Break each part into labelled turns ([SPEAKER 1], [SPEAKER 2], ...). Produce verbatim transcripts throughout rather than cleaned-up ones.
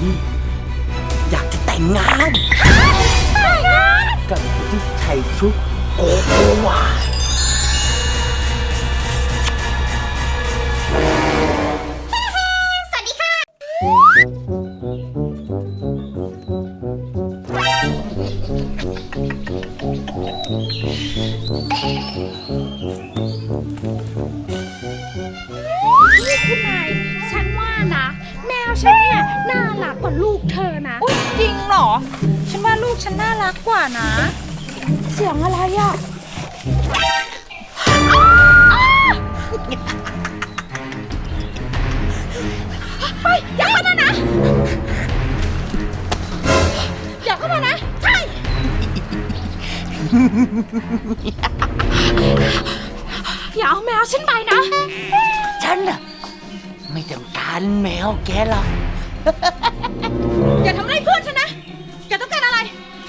[SPEAKER 1] นอยากจะแต่งงานกับที่ใส่ชุดโกโกวา
[SPEAKER 2] สวัสดีค่ะ
[SPEAKER 3] นี่คุณนายฉันว่านะแมวฉันเนี่ยน่ารักกว่าลูกเธอนะจริงเหรอฉันว่าลูกฉันน่ารักกว่านะเสียงอะไรอ่ะไปอย่าเข้ามานะอย่าเข้ามานะใช่อย่าเอาแมวฉันไปนะ
[SPEAKER 1] ฉันน่ะไม่ต้องการแมวแกหรอก
[SPEAKER 3] อย่าทำอะไรเพื่อนฉันนะแกต้องการอะไร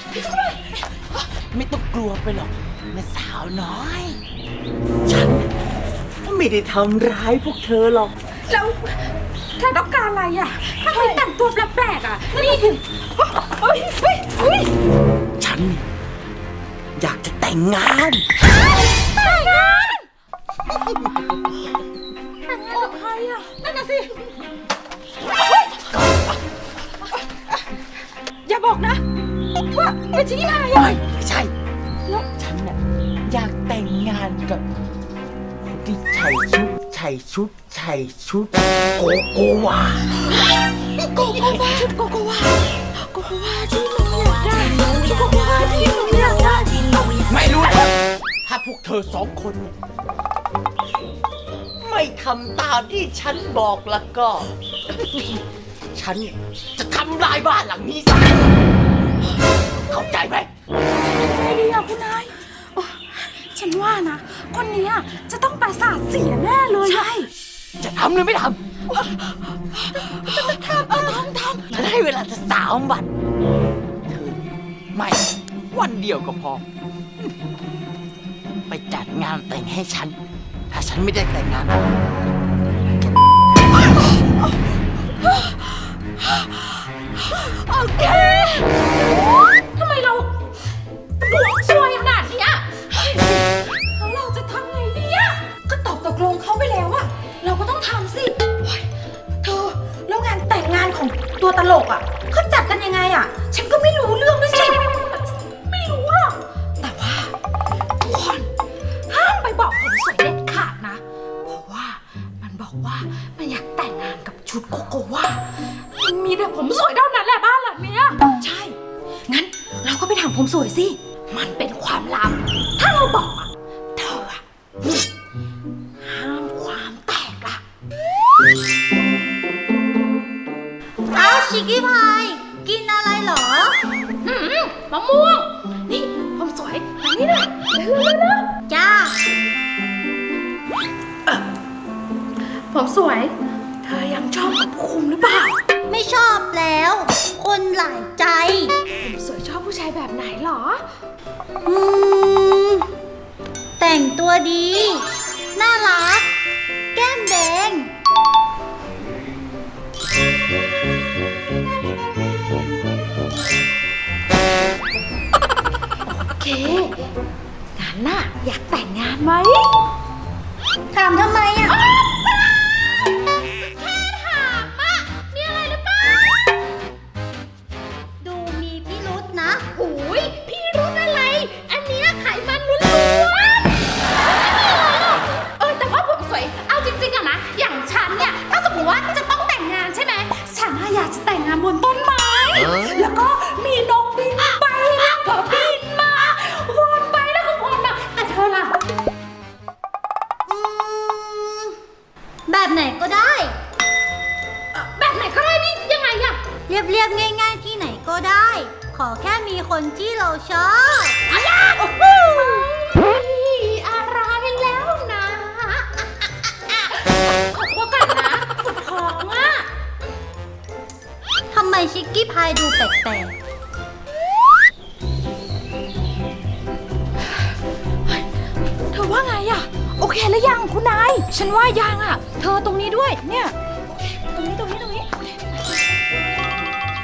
[SPEAKER 1] ไม่ต้องกลัวไปหรอกแม่สาวน้อยฉันไม่ได้ทำร้ายพวกเธอหรอก
[SPEAKER 3] แล้วเธอต้องการอะไรอ่ะทำไมแต่งตัวแปลกๆอ่ะนี่ถึงเฮ้ยเฮ้ยเฮ้ย
[SPEAKER 1] ฉันอยากจะแต่งงาน
[SPEAKER 3] แต่งงานแต่งงานกับใครอ่ะนั่นน่ะสิอย่าบอกนะว่าเป็นชิคกี้พายอ่ะ
[SPEAKER 1] ไม่ใช่แล้วฉันน่ะอยากแต่งงานกับคนที่ใส่ชุดใส่ชุดใส่ชุดโกโกวา
[SPEAKER 3] โกโกวาชุดโกโกวาโกโกวาที่หนูอยากได้ชุดโกโกวาที่หนูอยากได้
[SPEAKER 1] ไม่รู้หรอกถ้าพวกเธอสองคนไม่ทำตามที่ฉันบอกแล้วก็ ฉันจะทำลายบ้านหลังนี้ซะเข้าใจไหม
[SPEAKER 3] ไม่ดีอ่ะคุณนายฉันว่านะคนนี้จะต้องประสาทเสียแน่เลยใช่
[SPEAKER 1] จะทำหรือไม่ทำทำทำทำฉันให้เวลาจะสามวันเธอไม่วันเดียวก็พอไปจัดงานแต่งให้ฉันถ้าฉันไม่ได้แต่งงาน
[SPEAKER 3] โอเคทำไมเราดวงซวยขนาดนี้แล้วเราจะทำไงดีอ่ะก็ตอบตกลงเขาไปแล้วอ่ะเราก็ต้องทำสิเธอแล้วงานแต่งงานของตัวตลกอ่ะเขาจัดกันยังไงอ่ะฉันก็ไม่รู้เรื่องด้วยสิไม่รู้หรอกแต่ว่าทุกคนห้ามไปบอกผมสวยเด็ดขาดนะเพราะว่ามันบอกว่ามันอยากแต่งงานกับชุดโกโกวามีแต่ผมสวยเท่านั้นแหละบ้านหลังเนี้ยใช่งั้นเราก็ไปถามผมสวยสิมันเป็นความลับถ้าเราบอกอ่ะเธออ่ะห้ามความแตกล่ะ
[SPEAKER 2] อ้าวชิคกี้พายกินอะไรเหรอ
[SPEAKER 3] อืมมะม่วงนี่ผมสวยอันนี้นะเร็วๆๆ
[SPEAKER 2] จ้า
[SPEAKER 3] ผมสวยเธอยังชอบกับคุมหรือเปล่า
[SPEAKER 2] ไม่ชอบแล้วคนหลายใจ
[SPEAKER 3] ผมสวยชอบผู้ชายแบบไหนหรอ
[SPEAKER 2] อืมแต่งตัวดีน่ารักแก้มแดง
[SPEAKER 3] โอเคงั้นน่ะอยากแต่งงานไหม
[SPEAKER 2] ถามทำไมอ่ะ
[SPEAKER 3] แค่ถามอ่ะมีอะไรหรือเปล่า
[SPEAKER 2] ดูมีพิรุธนะ
[SPEAKER 3] โอ้ยพี่รุธอะไรอันเนี้ยไขมันล้วนๆเออแต่ว่าผมสวยเอาจริงๆอะนะอย่างฉันเนี่ยถ้าสมมติว่าจะต้องแต่งงานใช่ไหมฉันอยากจะแต่งงานบนต้นไม้แล้วก็มีนกบินไปแล้วก็บินมาวนไปแล้วก็วนมาแต่เธอล่ะ
[SPEAKER 2] อืมแบบไหนก็ได้
[SPEAKER 3] แบบไหนก็ได้นี่ยังไงอะ
[SPEAKER 2] เรียบๆง่ายๆที่ไหนก็ได้ขอแค่มีคนที่เราชอบ
[SPEAKER 3] อะไรอะไรแล้วนะขอตัวก่อนนะปวดท้องอะ
[SPEAKER 2] ทำไมชิคกี้พายดูแปลก
[SPEAKER 3] ๆเธอว่าไงอะโอเคแล้วยังคุณนายฉันว่ายังอะเธอตรงนี้ด้วยเนี่ยตรงนี้ตรงนี้ตรงนี้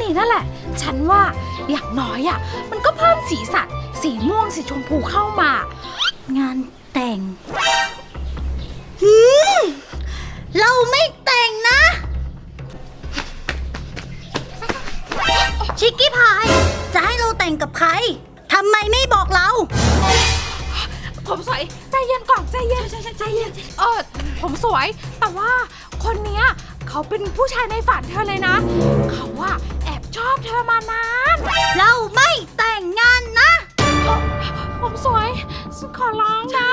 [SPEAKER 3] นั่นแหละ ฉันว่าอย่างน้อยอ่ะมันก็เพิ่มสีสันสีม่วงสีชมพูเข้ามาง
[SPEAKER 2] านแต่งหืมเราไม่แต่งนะ ชิคกี้พาย จะให้เราแต่งกับใคร ทำไมไม่บอกเรา
[SPEAKER 3] ผมสวยใจเย็นก่อนใจเย็นใจเย็นเออผมสวยแต่ว่าคนเนี้ยเขาเป็นผู้ชายในฝันเธอเลยนะเขาว่าแอบชอบเธอมานาน
[SPEAKER 2] เราไม่แต่งงานนะ
[SPEAKER 3] ผมสวยฉันขอร้องนะ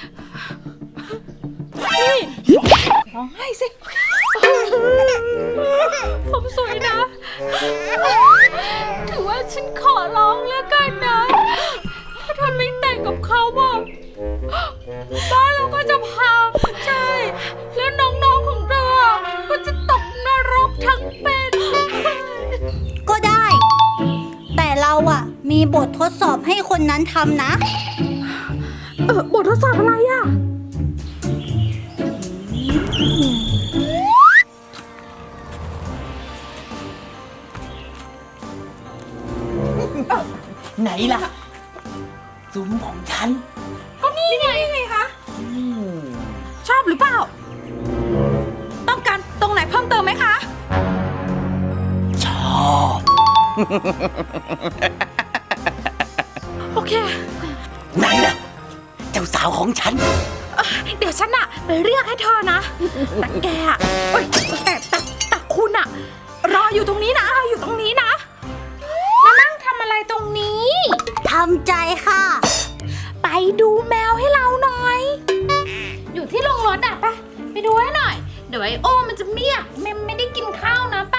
[SPEAKER 3] นี่ร้องไห้สิผมสวยนะถือว่าฉันขอร้องแล้วกันนะถ้าเธอไม่แต่งกับเขาอะบ้านเราก็จะพังใช่แล้วน้องๆของเธอก็จะตกนรกทั้งเป็น
[SPEAKER 2] ก็ได้ แต่เราอะมีบททดสอบให้คนนั้นทำนะ
[SPEAKER 3] เออบททดสอบอะไรอะ
[SPEAKER 1] ไหนล่ะซุ้มของฉัน
[SPEAKER 3] ก็นี่ไงไงคะ
[SPEAKER 1] อืม
[SPEAKER 3] ชอบหรือเปล่าต้องการตรงไหนเพิ่มเติมไหมคะ
[SPEAKER 1] ชอบ
[SPEAKER 3] โอเค
[SPEAKER 1] ไหนล่ะเจ้าสาวของฉัน
[SPEAKER 3] เอ่อเดี๋ยวฉันอะไปเรียกให้เธอนะแต่แกอะเอ้ยแต่แต่แต่คุณอะรออยู่ตรงนี้นะรออยู่ตรงนี้นะมานั่งทำอะไรตรงนี้
[SPEAKER 2] ทำใจค่ะ
[SPEAKER 3] ไปดูแมวให้เราหน่อย อยู่ที่โรงรถอะไปไปดูให้หน่อย เดี๋ยวไอโอมันจะเมียกมันไม่ได้กินข้าวนะไป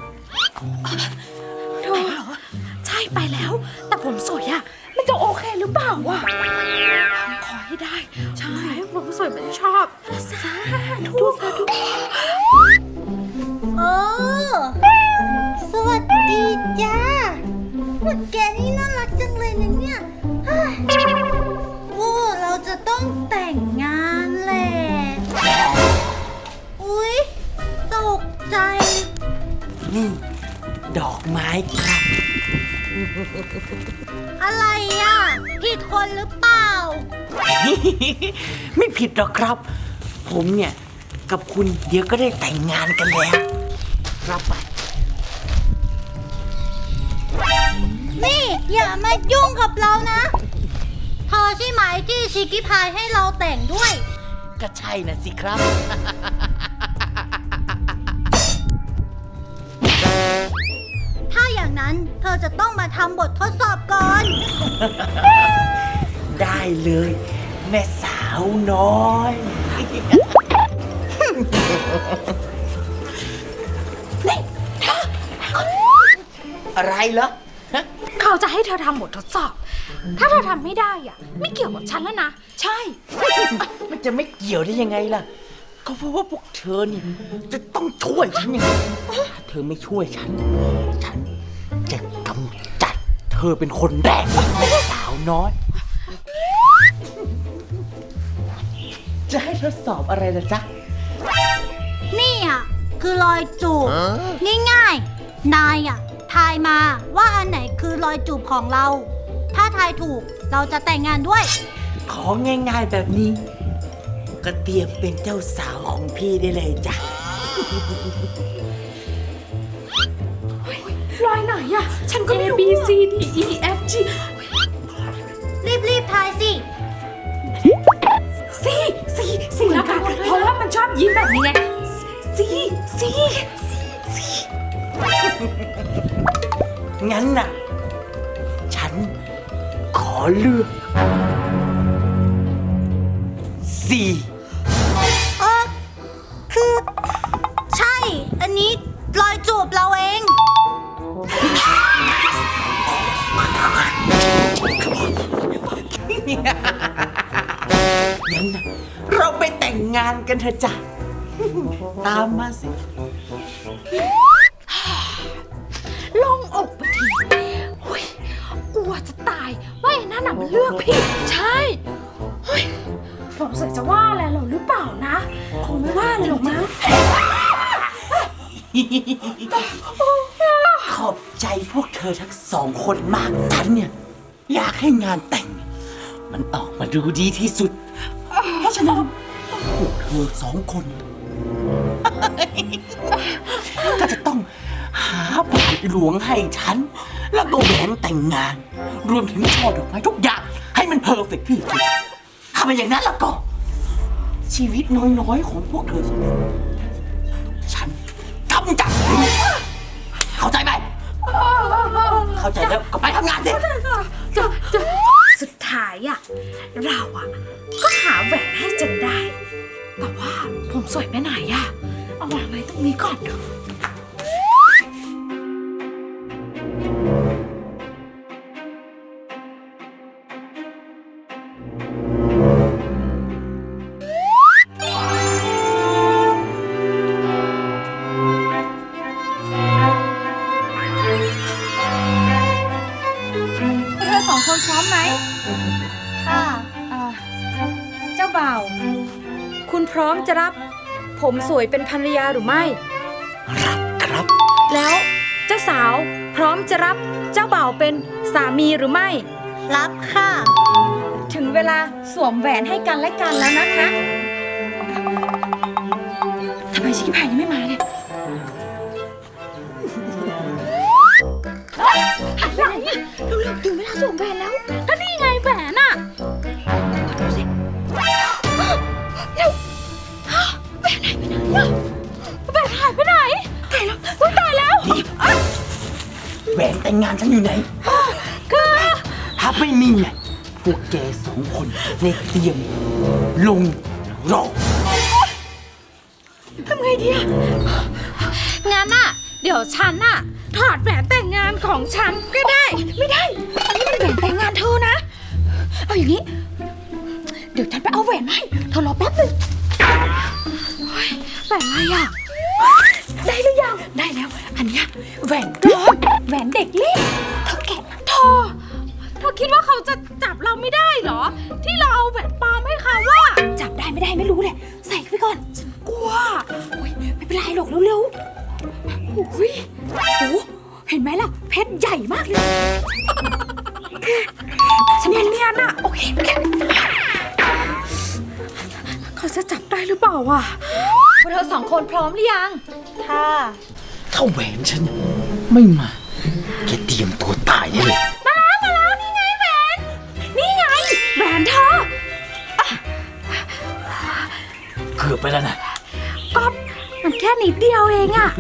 [SPEAKER 3] เธอใช่ไปแล้ว แต่ผมสวยอะมันจะโอเคหรือเปล่าวะขอให้ได้ใช่ผมสวยมันชอบสาธุสาธุ
[SPEAKER 2] โอ้สวัสดีจ้าพวกแกนี่น่ารักจังเลยนะเนี่ยเฮ้ยโอ้เราจะต้องแต่งงานแหละ อุ๊ย ตกใจ
[SPEAKER 1] นี่ ดอกไม้ครับ
[SPEAKER 2] อะไรอ่ะ ผิดคนหรือเปล่า
[SPEAKER 1] ไม่ผิดหรอกครับ ผมเนี่ยกับคุณเดี๋ยวก็ได้แต่งงานกันแล้วรับไป
[SPEAKER 2] นี่อย่ามายุ่งกับเรานะเธอใช่ไหมที่ชิคกี้พายให้เราแต่งด้วย
[SPEAKER 1] ก็ใช่นะสิครับ
[SPEAKER 2] ถ้าอย่างนั้นเธอจะต้องมาทำบททดสอบก่อน
[SPEAKER 1] ได้เลย แม่สาวน้อย อะไรเหรอฮะ
[SPEAKER 3] เขาจะให้เธอทำบททดสอบ ถ้าเธอทำไม่ได้อ่ะ ไม่เกี่ยวกับฉันแล้วนะ ใช่
[SPEAKER 1] มันจะไม่เกี่ยวได้ยังไงล่ะ ก็เพราะว่าพวกเธอนี่จะต้องช่วยฉันยังไงถ้าเธอไม่ช่วยฉัน ฉันจะกำจัดเธอเป็นคนแรกแม่สาวน้อย จะให้ทดสอบอะไรล่ะจ๊ะ
[SPEAKER 2] นี่อ่ะ คือรอยจูบง่ายๆ นายอ่ะ ทายมาว่าอันไหนคือรอยจูบของเรา ถ้าทายถูกเราจะแต่งงานด้วย
[SPEAKER 1] ของง่ายๆแบบนี้ ก็เตรียมเป็นเจ้าสาวของพี่ได้เลยจ้ะ
[SPEAKER 3] รอยไหนอ่ะ ฉันก็ไม่รู้ A B C D E F G
[SPEAKER 2] รีบๆ ทายสิ
[SPEAKER 3] C C C แล้วกันเพราะว่ามันชอบยิ้มแบบนี้ไง C C C
[SPEAKER 1] งั้นน่ะ ฉันขอเลือกสี่
[SPEAKER 2] เออคือ ใช่ อันนี้รอยจูบเราเอง
[SPEAKER 1] งั้นน่ะเราไปแต่งงานกันเถอะจ้ะ ตามมาสิ
[SPEAKER 3] โล่งอกไปทีหุยกลัวจะตายว่าไอ้นั่นน่ะมันเลือกผิด ใช่หุยผมสวยจะว่าอะไรเราหรือเปล่านะ คงไม่ว่าอะไรหรอกมั้ง
[SPEAKER 1] ขอบใจพวกเธอทั้งสองคนมากฉันเนี่ยอยากให้งานแต่ง มันออกมาดูดีที่สุด เพราะฉะนั้นพวกเธอสองคน ก็จะต้องหาบาทหลวงให้ฉัน แล้วก็แหวนแต่งงาน รวมถึงช่อดอกไม้ทุกอย่างให้มันเพอร์เฟกต์ที่สุดถ้าเป็นอย่างนั้นแล้วก็ ชีวิตน้อยๆของพวกเธอสองคนฉันกำจัดเข้าใจไหม เข้าใจแล้วก็ไปทำงานสิ
[SPEAKER 3] จะจะสุดท้ายอะเราอะก็หาแหวนให้จนได้ แต่ว่าผมสวยไปไหนอะเอาวางไว้ตรงนี้ก่อนเถอะเธอสองคนพร้อมไหม
[SPEAKER 2] ค่ะ
[SPEAKER 3] อ่าเจ้าบ่าว คุณพร้อมจะรับผมสวยเป็นภรรยาหรือไม่
[SPEAKER 1] รับครับ
[SPEAKER 3] แล้วเจ้าสาวพร้อมจะรับเจ้าบ่าวเป็นสามีหรือไม่
[SPEAKER 2] รับค่ะ
[SPEAKER 3] ถึงเวลาสวมแหวนให้กันและกันแล้วนะคะทำไมชิคกี้พายยังไม่มาเนี่ยอะไรเร็วๆถึงเวลาสวมแหวนแล้วก็นี่ไงแหวนอะดูสิเร็วแหวนหายไปไหนอะแหวนหายไปไหนตายแล้วอุ๊ยตายแล้ว
[SPEAKER 1] แหวนแต่งงานฉันอยู่ไหน
[SPEAKER 3] คือ
[SPEAKER 1] ถ้าไม่มีเนี่ยพวกแกสองคนในเตรียมลงรอ
[SPEAKER 3] ทำไงดีอะงั้นน่ะ เดี๋ยวฉันน่ะถอดแหวนแต่งงานของฉันก็ได้ ไม่ได้ อันนี้มันแหวนแต่งงานเธอนะ เอาอย่างนี้ เดี๋ยวฉันไปเอาแหวนให้เธอรอแป๊บนึงเฮ้ยแหวนอะไรอะได้หรือยัง ได้แล้ว อันเนี้ยแหวนปลอมแหวนเด็กเล่นเธอแกะเธอเธอคิดว่าเขาจะจับเราไม่ได้เหรอ ที่เราเอาแหวนปลอมให้เขาว่าจับได้ไม่ได้ไม่รู้แหละ ใส่เข้าไปก่อน ฉันกลัวโอ้ยไม่เป็นไรหรอกเร็วๆโอ้ยโอ้เห็นไหมล่ะ เพชรใหญ่มากเลยฉันเนียนๆอะโอเคโอเคเขาจะจับได้หรือเปล่าวะพวกเธอสองคนพร้อมหรือยัง
[SPEAKER 2] ค่ะ
[SPEAKER 1] ถ้าแหวนฉันไม่มาแกเตรียมตัวตายได้เลย
[SPEAKER 3] มาแล้วมาแล้วนี่ไงแหวนนี่ไงแหวนเธอ
[SPEAKER 1] เกือบไปแล้วนะ
[SPEAKER 3] ก็มันแค่นิดเดียวเองอะ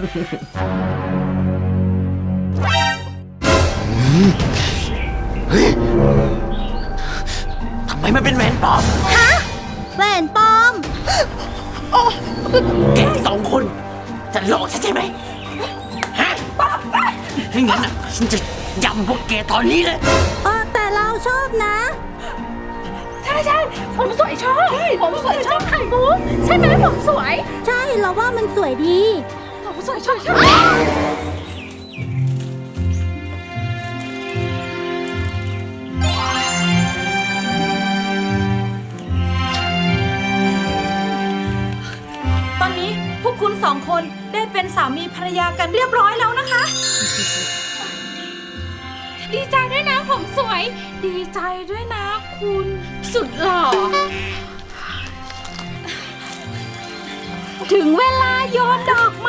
[SPEAKER 1] เฮ้ยทำไมมันเป็นแหวนปลอม
[SPEAKER 2] แหวนปลอม
[SPEAKER 1] แกสองคนจะหลอกฉันใช่ไหมฮะไม่งั้นอ่ะฉันจะยำพวกแกตอนนี้เลย
[SPEAKER 2] เออแต่เราชอบนะ
[SPEAKER 3] ใช่ใช่ผมสวยชอบผมสวยชอบไข่มุกใช่ไหมผมสวย
[SPEAKER 2] ใช่เราว่ามันสวยดี
[SPEAKER 3] ผมสวยชอบชอบตอนนี้พวกคุณสองคนได้เป็นสามีภรรยากันเรียบร้อยแล้วนะคะ ดีใจด้วยนะผมสวย ดีใจด้วยนะคุณสุดหล่อ ถึงเวลาโยนดอกไม้